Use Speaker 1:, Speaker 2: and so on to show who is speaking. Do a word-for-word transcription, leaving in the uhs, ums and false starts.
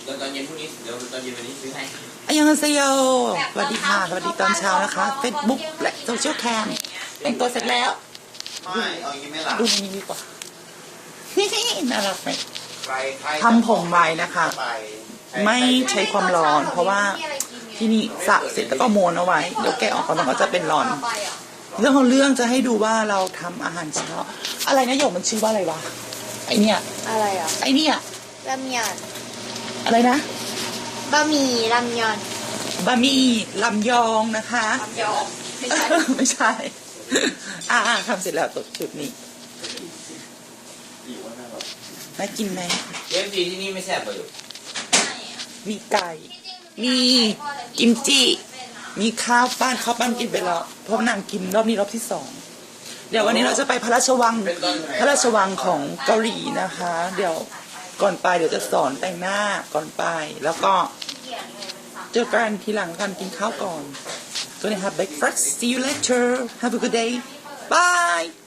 Speaker 1: แล้วตอนเย็นพรุ่งนี้เดี๋ยวตอนเย็นวันนี้ซื้อให้
Speaker 2: อายังเซโยสวัสดีค่ะสวัสดีตอนเช้านะคะ Facebook และโซเชียลแคมแต่งตัวเสร็จแล้ว
Speaker 1: ไม่เอาอย่างนี้ไม่หลับ
Speaker 2: ดูในนี้ดีกว่าน่ารักไหมทำผมไว้นะคะ ไม่ใช้ความร้อนเพราะว่าที่นี่สระเสร็จแล้วก็โมนเอาไว้เดี๋ยวแกะออกก่อนมันก็จะเป็นร้อนเรื่องของเรื่องจะให้ดูว่าเราทำอาหารเช้าอะไรนะโยมมันชื่อว่าอะไรวะไอเนี่ย
Speaker 3: อะไรอ่ะ
Speaker 2: ไอเนี่ย
Speaker 3: รามยอน
Speaker 2: อะไรนะ
Speaker 3: บะหมี่รามยอน
Speaker 2: บะหมี่ลำยองนะคะ
Speaker 3: ลำยองไม่ใช่
Speaker 2: ไม่ใช่อ่าทำเสร็จแล้วตกจุดนี้น่ากินไหม
Speaker 1: เอฟซีที่นี่ไม่แซ่บเลย
Speaker 2: มีไก่มีกิมจิมีข้าวปั้นข้าวปั้นกินไปแล้วเพราะนางกินรอบนี้รอบที่สองเดี๋ยววันนี้เราจะไปพระราชวังพระราชวังของเกาหลีนะคะ เดี๋ยวก่อนไปเดี๋ยวจะสอนแต่งหน้าก่อนไปแล้วก็เจอกันทีหลังกันกินข้าวก่อน Gonna have breakfast see you later have a good day bye